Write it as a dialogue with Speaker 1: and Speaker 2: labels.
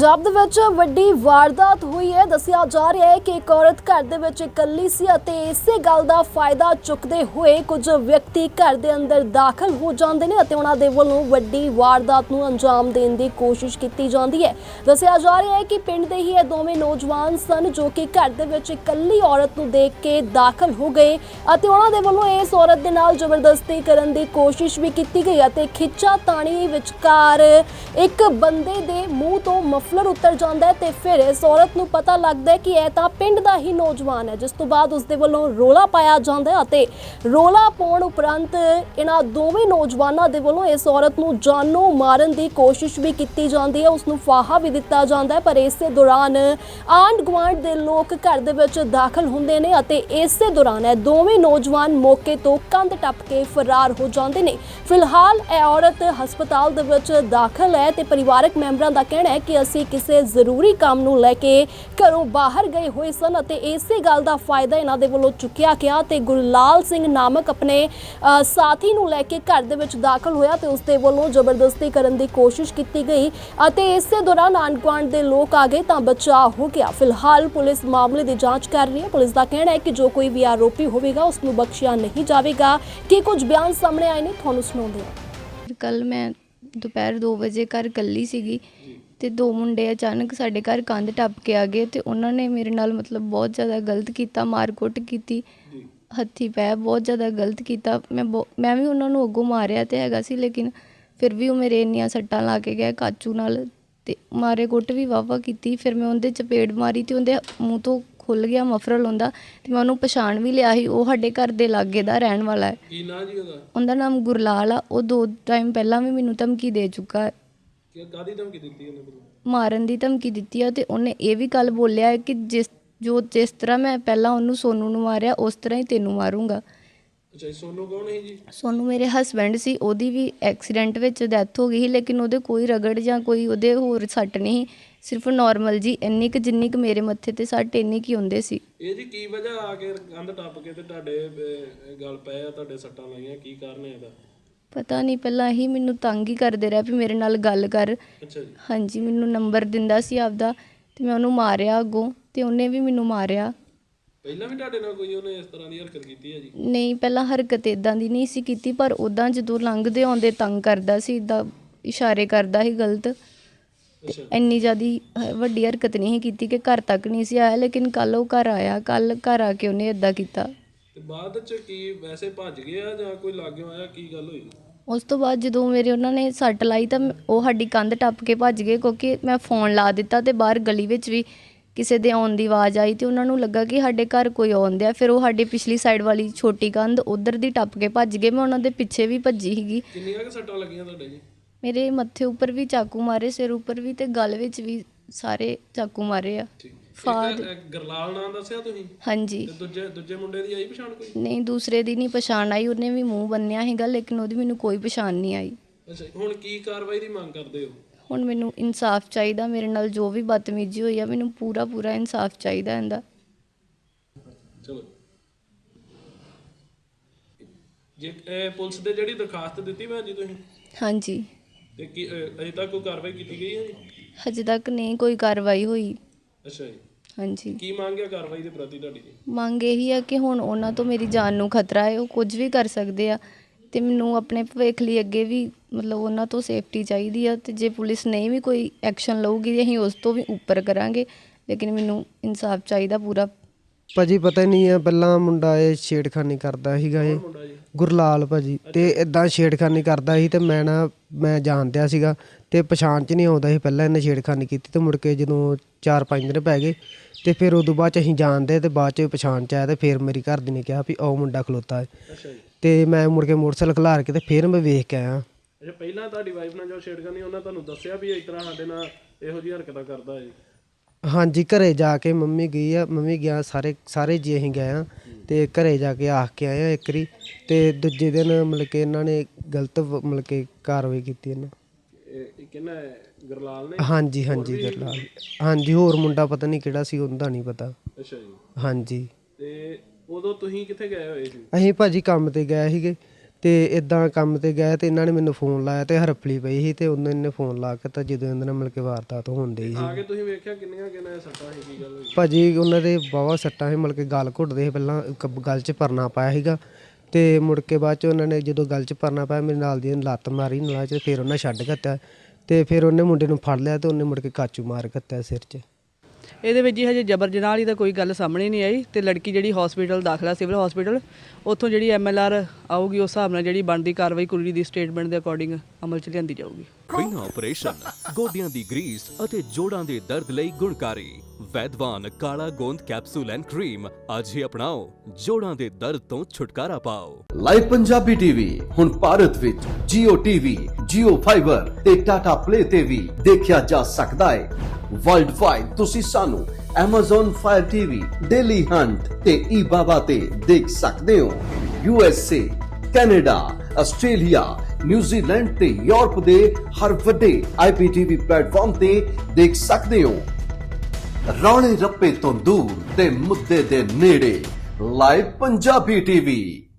Speaker 1: पंजाब दे विच वड्डी वारदात हुई है। दस्सिया जा रहा है कि एक औरत घर दे विच इकल्ली सी अते इसे गल दा फायदा चुकदे हुए कुछ व्यक्ति घर दे अंदर दाखल हो जांदे ने अते उन्हां दे वल्लों वड्डी वारदात नूं अंजाम देण दी कोशिश कीती जांदी है। दस्सिया जा रहा है कि पिंड दे ही दोवें नौजवान सन जो कि घर दे विच इकल्ली औरत नूं देख के दाखल हो गए अते उन्हां दे वल्लों इस औरत दे नाल जबरदस्ती करन दी कोशिश भी कीती गई अते खिच्चा ताणी विचकार एक बंदे दे मूंह तो मफलर उतर जाता है तो फिर इस औरत नूं पता लगता है कि यह तो पिंड का ही नौजवान है, जिस तो बाद उसके वालों रोला पाया जाता है। रोला पाउण उपरंत इन्हां दोवें नौजवानों के वालों इस औरत नूं जानों मारन की कोशिश भी की जाती है, उसनूं फाहा भी दिता जाता है। पर इस दौरान आंढ गुआंढ के लोग घर दे विच दाखल हुंदे ने अते इस दौरान यह दोवें नौजवान मौके तो कंध टप के फरार हो जाते हैं। फिलहाल यह औरत हस्पताल दे विच दाखल है तो परिवारक मैंबरां दा कहना है कि असीं किसी जरूरी काम नूं लैके घरों बाहर गए हुए सन अते इसे गल दा फायदा इन्हां दे वल्लों चुक्या गया ते गुरलाल सिंह नामक अपने साथी नूं लैके घर दे विच दाखल होया ते उसदे वल्लों जबरदस्ती करन दी कोशिश कीती गई अते इस दौरान आंढ गुआंढ दे लोग आ गए तां बचाव हो गया। फिलहाल पुलिस मामले की जांच कर रही है। पुलिस का कहना है कि जो कोई भी आरोपी होवेगा उसनूं बख्शिया नहीं जावेगा। कि कुछ बयान सामने आए ने तुहानूं सुणाउंदे हां।
Speaker 2: कल मैं दोपहर 2 वजे घर कल्ली सीगी ते दो मुंडे अचानक साडे घर कंध टप के आ गए ते उन्होंने मेरे नाल मतलब बहुत ज़्यादा गलत किया, मारकुट की, हत्थी पै बहुत ज़्यादा गलत किया। मैं भी उन्होंने अगों मारिया तो हैगा सी, लेकिन फिर भी वो मेरे इन्नियां सट्टां ला के गए काचू नाल ते मारे कुट भी वाहवा की। फिर मैं उनदे चपेड़ मारी तो उनदे मूँह तो खुल गया मफरल उनदा ते मैं उन्होंने पछाण भी लिया ही। वो साडे घर दे लागे दा रहण वाला है।
Speaker 3: ਕੀ ਨਾਂ ਜੀ ਉਹਦਾ?
Speaker 2: उनका नाम गुरलाल आ। वो 2 टाइम पहला भी मैनू धमकी दे चुका है,
Speaker 3: ਕਿ ਕਾਦੀ ਧਮਕੀ ਦਿੱਤੀ ਉਹਨੇ ਮੈਨੂੰ?
Speaker 2: मारन की धमकी दी है। तो उन्हें ये भी गल बोलिया है कि जिस तरह मैं पहला उन्होंने सोनू नूं मारिया उस तरह ही तेनू मारूंगा।
Speaker 3: ਅੱਛਾ ਜੀ, ਸੋਨੂ ਕੌਣ ਹੈ ਜੀ?
Speaker 2: सोनू मेरे हसबैंड सी, ओदी भी एक्सीडेंट विच डैथ हो गई ही, लेकिन ਉਹਦੇ कोई रगड़ ਜਾਂ कोई ਉਹਦੇ ਹੋਰ सट नहीं, सिर्फ नॉर्मल जी ਇੰਨੀ ਕੁ ਜਿੰਨੀ ਕੁ ਮੇਰੇ ਮੱਥੇ ਤੇ ਸੱਟ ਇੰਨੀ ਕੀ ਹੁੰਦੇ ਸੀ।
Speaker 3: ਇਹ ਜੀ ਕੀ ਵਜ੍ਹਾ ਆ ਕੇ ਕੰਧ ਟੱਪ ਕੇ ਤੇ ਤੁਹਾਡੇ ਗਲ ਪਏ ਆ, ਤੁਹਾਡੇ ਸੱਟਾਂ ਲਾਈਆਂ, ਕੀ ਕਾਰਨ ਹੈ ਇਹਦਾ?
Speaker 2: ਪਤਾ ਨਹੀਂ, ਪਹਿਲਾਂ ਹੀ ਮੈਨੂੰ ਤੰਗ ਹੀ ਕਰਦੇ ਰਿਹਾ ਵੀ ਮੇਰੇ ਨਾਲ ਗੱਲ ਕਰ।
Speaker 3: ਅੱਛਾ ਜੀ।
Speaker 2: ਹਾਂਜੀ, ਮੈਨੂੰ ਨੰਬਰ ਦਿੰਦਾ ਸੀ ਆਪਦਾ ਤੇ ਮੈਂ ਉਹਨੂੰ ਮਾਰਿਆ ਅੱਗੋਂ ਤੇ ਉਹਨੇ ਵੀ ਮੈਨੂੰ ਮਾਰਿਆ।
Speaker 3: ਪਹਿਲਾਂ ਵੀ ਤੁਹਾਡੇ ਨਾਲ ਕੋਈ ਉਹਨੇ ਇਸ ਤਰ੍ਹਾਂ ਦੀ ਹਰਕਤ ਕੀਤੀ ਹੈ ਜੀ?
Speaker 2: ਨਹੀਂ, ਪਹਿਲਾਂ ਹਰਕਤ ਇਦਾਂ ਦੀ ਨਹੀਂ ਸੀ ਕੀਤੀ, ਪਰ ਉੱਦਾਂ ਜਦੋਂ ਲੰਘਦੇ ਆਉਂਦੇ ਤੰਗ ਕਰਦਾ ਸੀ, ਇੱਦਾਂ ਇਸ਼ਾਰੇ ਕਰਦਾ ਸੀ ਗਲਤ।
Speaker 3: ਅੱਛਾ।
Speaker 2: ਇੰਨੀ ਜ਼ਿਆਦਾ ਵੱਡੀ ਹਰਕਤ ਨਹੀਂ ਸੀ ਕੀਤੀ ਕਿ ਘਰ ਤੱਕ ਨਹੀਂ ਸੀ ਆਇਆ, ਲੇਕਿਨ ਕੱਲ੍ਹ ਉਹ ਘਰ ਆਇਆ। ਕੱਲ੍ਹ ਘਰ ਆ ਕੇ ਉਹਨੇ ਇੱਦਾਂ ਕੀਤਾ।
Speaker 3: ਤੇ ਬਾਅਦ ਚ ਕੀ ਵੈਸੇ ਭੱਜ ਗਿਆ ਜਾਂ ਕੋਈ ਲਾਗੇ ਆਇਆ, ਕੀ ਗੱਲ ਹੋਈ?
Speaker 2: ਉਸ ਤੋਂ ਬਾਅਦ ਜਦੋਂ ਮੇਰੇ ਉਹਨਾਂ ਨੇ ਸੱਟ ਲਾਈ ਤਾਂ ਉਹ ਸਾਡੀ ਕੰਧ ਟੱਪ ਕੇ ਭੱਜ ਗਏ, ਕਿਉਂਕਿ ਮੈਂ ਫੋਨ ਲਾ ਦਿੱਤਾ ਤੇ ਬਾਹਰ ਗਲੀ ਵਿੱਚ ਵੀ ਕਿਸੇ ਦੇ ਆਉਣ ਦੀ ਆਵਾਜ਼ ਆਈ ਤੇ ਉਹਨਾਂ ਨੂੰ ਲੱਗਾ ਕਿ ਸਾਡੇ ਘਰ ਕੋਈ ਆਉਂਦਾ। ਫਿਰ ਉਹ ਸਾਡੀ ਪਿਛਲੀ ਸਾਈਡ ਵਾਲੀ ਛੋਟੀ ਕੰਧ ਉੱਧਰ ਦੀ ਟੱਪ ਕੇ ਭੱਜ ਗਏ। ਮੈਂ ਉਹਨਾਂ ਦੇ ਪਿੱਛੇ ਵੀ ਭੱਜੀ ਸੀਗੀ।
Speaker 3: ਕਿੰਨੀਆਂ ਕੁ ਸੱਟਾਂ ਲੱਗੀਆਂ ਤੁਹਾਡੇ ਜੀ?
Speaker 2: ਮੇਰੇ ਮੱਥੇ ਉੱਪਰ ਵੀ ਚਾਕੂ ਮਾਰੇ, ਸਿਰ ਉੱਪਰ ਵੀ ਤੇ ਗਲ ਵਿੱਚ ਵੀ ਸਾਰੇ ਚਾਕੂ ਮਾਰੇ ਆ।
Speaker 3: ਠੀਕ।
Speaker 2: ਫਾਦ
Speaker 3: ਗਰਲਾਲ ਨਾਂ ਦੱਸਿਆ ਤੁਸੀਂ?
Speaker 2: ਹਾਂਜੀ।
Speaker 3: ਤੇ ਦੂਜੇ ਮੁੰਡੇ ਦੀ ਆਈ ਪਛਾਣ ਕੋਈ?
Speaker 2: ਨਹੀਂ, ਦੂਸਰੇ ਦੀ ਨਹੀਂ ਪਛਾਣ ਆਈ। ਉਹਨੇ ਵੀ ਮੂੰਹ ਬੰਨਿਆ ਸੀਗਾ, ਲੇਕਿਨ ਉਹਦੀ ਮੈਨੂੰ ਕੋਈ ਪਛਾਣ ਨਹੀਂ ਆਈ।
Speaker 3: ਅੱਛਾ, ਹੁਣ ਕੀ ਕਾਰਵਾਈ ਦੀ ਮੰਗ ਕਰਦੇ ਹੋ?
Speaker 2: ਹੁਣ ਮੈਨੂੰ ਇਨਸਾਫ ਚਾਹੀਦਾ। ਮੇਰੇ ਨਾਲ ਜੋ ਵੀ ਬਦਤਮੀਜ਼ੀ ਹੋਈ ਆ, ਮੈਨੂੰ ਪੂਰਾ ਇਨਸਾਫ ਚਾਹੀਦਾ ਇਹਦਾ।
Speaker 3: ਚਲੋ ਜੇ ਪੁਲਿਸ ਦੇ ਜਿਹੜੀ ਦਰਖਾਸਤ ਦਿੱਤੀ ਭੈਣ ਜੀ ਤੁਸੀਂ,
Speaker 2: ਹਾਂਜੀ।
Speaker 3: ਤੇ ਕੀ ਅਜੇ ਤੱਕ ਕੋਈ ਕਾਰਵਾਈ ਕੀਤੀ ਗਈ ਹੈ ਜੀ?
Speaker 2: ਹਜੇ ਤੱਕ ਨਹੀਂ ਕੋਈ ਕਾਰਵਾਈ ਹੋਈ।
Speaker 3: ਅੱਛਾ ਜੀ।
Speaker 2: ਹਾਂਜੀ।
Speaker 3: ਕੀ ਮੰਗ ਹੈ ਕਾਰਵਾਈ ਦੇ ਪ੍ਰਤੀ ਤੁਹਾਡੀ ਜੀ?
Speaker 2: ਮੰਗ ਇਹੀ ਆ ਕਿ ਹੁਣ ਉਹਨਾਂ ਤੋਂ ਮੇਰੀ ਜਾਨ ਨੂੰ ਖਤਰਾ ਹੈ, ਉਹ ਕੁਝ ਵੀ ਕਰ ਸਕਦੇ ਆ ਤੇ ਮੈਨੂੰ ਆਪਣੇ ਭਵਿੱਖ ਲਈ ਅੱਗੇ ਵੀ ਮਤਲਬ ਉਹਨਾਂ ਤੋਂ ਸੇਫਟੀ ਚਾਹੀਦੀ ਆ। ਤੇ ਜੇ ਪੁਲਿਸ ਨਹੀਂ ਵੀ ਕੋਈ ਐਕਸ਼ਨ ਲਊਗੀ ਅਸੀਂ ਉਸ ਤੋਂ ਵੀ ਉੱਪਰ ਕਰਾਂਗੇ, ਲੇਕਿਨ ਮੈਨੂੰ ਇਨਸਾਫ ਚਾਹੀਦਾ ਪੂਰਾ।
Speaker 4: ਭਾਜੀ ਪਤਾ ਨਹੀਂ ਆ, ਪਹਿਲਾਂ ਮੁੰਡਾ ਇਹ ਛੇੜਖਾਨੀ ਕਰਦਾ ਸੀਗਾ, ਇਹ
Speaker 3: ਮੁੰਡਾ ਜੀ
Speaker 4: ਗੁਰਲਾਲ ਭਾਜੀ, ਤੇ ਇਦਾਂ ਛੇੜਖਾਨੀ ਕਰਦਾ ਸੀ ਤੇ ਮੈਂ ਜਾਣਦਿਆ ਸੀਗਾ ਤੇ ਪਛਾਣ 'ਚ ਨਹੀਂ ਆਉਂਦਾ ਸੀ। ਪਹਿਲਾਂ ਇਹਨੇ ਛੇੜਖਾਨੀ ਕੀਤੀ ਤੇ ਮੁੜ ਕੇ ਜਦੋਂ 4-5 ਦਿਨ ਪੈ ਗਏ ਤੇ ਫਿਰ ਉਦੋਂ ਬਾਅਦ 'ਚ ਅਸੀਂ ਜਾਣਦੇ ਤੇ ਬਾਅਦ 'ਚ ਪਛਾਣ 'ਚ ਆਇਆ ਤੇ ਫਿਰ ਮੇਰੀ ਘਰ ਦੀ ਨੇ ਕਿਹਾ ਵੀ ਉਹ ਮੁੰਡਾ ਖਲੋਤਾ ਹੈ।
Speaker 3: ਅੱਛਾ ਜੀ।
Speaker 4: ਤੇ ਮੈਂ ਮੁੜ ਕੇ ਮੋਟਰਸਾਈਕਲ ਖਿਲਾਰ ਕੇ ਤੇ ਫਿਰ ਮੈਂ ਵੇਖ ਕੇ ਆਇਆ।
Speaker 3: ਅੱਛਾ, ਪਹਿਲਾਂ ਤੁਹਾਡੀ ਵਾਈਫ ਨਾਲ ਜੋ ਛੇੜਖਾਨੀ ਉਹਨਾਂ ਤੁਹਾਨੂੰ ਦੱਸਿਆ ਵੀ ਇਸ ਤਰ੍ਹਾਂ ਸਾਡੇ ਨਾਲ ਇਹੋ ਜਿਹੀ ਹਰਕਤਾਂ ਕਰਦਾ ਹੈ ਜੀ?
Speaker 4: ਹਾਂਜੀ, ਘਰੇ ਜਾ ਕੇ ਮੰਮੀ ਗਈ ਆ, ਮੰਮੀ ਗਿਆ, ਸਾਰੇ ਜੀ ਅਸੀਂ ਗਏ ਆ ਤੇ ਘਰੇ ਜਾ ਕੇ ਆਖ ਕੇ ਆਏ ਆ ਇੱਕ ਵਾਰੀ। ਤੇ ਦੂਜੇ ਦਿਨ ਮਤਲਬ ਕਿ ਇਹਨਾਂ ਨੇ ਗਲਤ ਮਤਲਬ ਕਿ ਕਾਰਵਾਈ ਕੀਤੀ ਇਹਨਾਂ।
Speaker 3: ਇਹ ਕਿਹਨਾਂ ਗਰਲਾਲ ਨੇ?
Speaker 4: ਹਾਂਜੀ ਗੁਰਲਾਲ। ਹਾਂਜੀ, ਹੋਰ ਮੁੰਡਾ ਪਤਾ ਨਹੀਂ ਕਿਹੜਾ ਸੀ, ਉਹਦਾ ਨਹੀਂ ਪਤਾ।
Speaker 3: ਅੱਛਾ ਜੀ।
Speaker 4: ਹਾਂਜੀ।
Speaker 3: ਤੇ ਉਦੋਂ ਤੁਸੀਂ ਕਿੱਥੇ ਗਏ ਹੋਏ ਸੀ?
Speaker 4: ਅਸੀਂ ਭਾਜੀ ਕੰਮ ਤੇ ਗਏ ਸੀਗੇ ਤੇ ਇਦਾਂ ਕੰਮ ਤੇ ਗਏ ਤੇ ਇਹਨਾਂ ਨੇ ਮੈਨੂੰ ਫੋਨ ਲਾਇਆ ਤੇ ਹਰਫਲੀ ਪਈ ਸੀ ਤੇ ਉਹਨਾਂ ਨੇ ਫੋਨ ਲਾ ਕੇ ਤਾਂ ਜਦੋਂ ਇਹਨਾਂ ਨਾਲ ਮਿਲ ਕੇ ਵਾਰਦਾਤ ਹੁੰਦੀ ਸੀ।
Speaker 3: ਆ ਕੇ ਤੁਸੀਂ ਵੇਖਿਆ ਕਿੰਨੀਆਂ ਸੱਟਾਂ ਸੀ, ਕੀ ਗੱਲ ਹੋਈ?
Speaker 4: ਭਾਜੀ ਉਹਨਾਂ ਦੇ ਵਾਹਵਾ ਸੱਟਾਂ ਸੀ, ਮਿਲ ਕੇ ਗਲ ਘੁੱਟਦੇ ਸੀ, ਪਹਿਲਾਂ ਗਲ 'ਚ ਪਰਨਾ ਪਾਇਆ ਸੀਗਾ ਤੇ ਮੁੜ ਕੇ ਬਾਅਦ 'ਚ ਉਹਨਾਂ ਨੇ ਜਦੋਂ ਗਲ 'ਚ ਪਰਨਾ ਪਾਇਆ ਮੇਰੇ ਨਾਲ ਦੀ ਨੇ ਲੱਤ ਮਾਰੀ ਨਾਲ 'ਚ, ਫਿਰ ਉਹਨਾਂ ਛੱਡ ਦਿੱਤਾ ਤੇ ਫਿਰ ਉਹਨੇ ਮੁੰਡੇ ਨੂੰ ਫੜ ਲਿਆ ਤੇ ਉਹਨੇ ਮੁੜ ਕੇ ਕਾਚੂ ਮਾਰ ਦਿੱਤਾ ਸਿਰ 'ਚ।
Speaker 5: ਇਹਦੇ ਵਿੱਚ ਜੀ ਹਜੇ ਜਬਰ ਜਨਾਹ ਵਾਲੀ ਤਾਂ ਕੋਈ ਗੱਲ ਸਾਹਮਣੇ ਨਹੀਂ ਆਈ ਤੇ ਲੜਕੀ ਜਿਹੜੀ ਹਸਪੀਟਲ ਦਾਖਲਾ ਸਿਵਲ ਹਸਪੀਟਲ, ਉੱਥੋਂ ਜਿਹੜੀ MLR ਆਊਗੀ ਉਸ ਹਿਸਾਬ ਨਾਲ ਜਿਹੜੀ ਬਣਦੀ ਕਾਰਵਾਈ ਕੁੜੀ ਦੀ ਸਟੇਟਮੈਂਟ ਦੇ ਅਕੋਰਡਿੰਗ ਅਮਲ 'ਚ ਲਿਆਂਦੀ ਜਾਊਗੀ।
Speaker 6: ਬਿਨਾਂ ਆਪਰੇਸ਼ਨ ਗੋਡਿਆਂ ਦੀ ਗਰੀਸ ਅਤੇ ਜੋੜਾਂ ਦੇ ਦਰਦ ਲਈ ਗੁਣਕਾਰੀ ਵੈਦਵਾਨ ਕਾਲਾ ਗੋਂਦ ਕੈਪਸੂਲ ਐਂਡ ਕਰੀਮ ਅੱਜ ਹੀ ਅਪਣਾਓ, ਜੋੜਾਂ ਦੇ ਦਰਦ ਤੋਂ ਛੁਟਕਾਰਾ ਪਾਓ।
Speaker 7: ਲਾਈਵ ਪੰਜਾਬੀ ਟੀਵੀ ਹੁਣ ਭਾਰਤ ਵਿੱਚ Jio TV, Jio Fiber ਤੇ Tata Play ਤੇ ਵੀ ਦੇਖਿਆ ਜਾ ਸਕਦਾ ਹੈ। ਵਰਲਡ ਵਾਈਡ ਤੁਸੀਂ ਸਾਨੂੰ Amazon Fire TV, Daily Hunt ਤੇ eBaba ਤੇ ਦੇਖ ਸਕਦੇ ਹੋ। USA, ਕੈਨੇਡਾ, ਆਸਟ੍ਰੇਲੀਆ, ਨਿਊਜ਼ੀਲੈਂਡ ਤੇ ਯੂਰਪ ਦੇ ਹਰ ਵੱਡੇ IPTV ਪਲੇਟਫਾਰਮ ਤੇ ਦੇਖ ਸਕਦੇ ਹੋ। ਰੌਲੇ ਰੱਪੇ ਤੋਂ ਦੂਰ ਤੇ ਮੁੱਦੇ ਦੇ ਨੇੜੇ ਲਾਈਵ ਪੰਜਾਬੀ ਟੀਵੀ।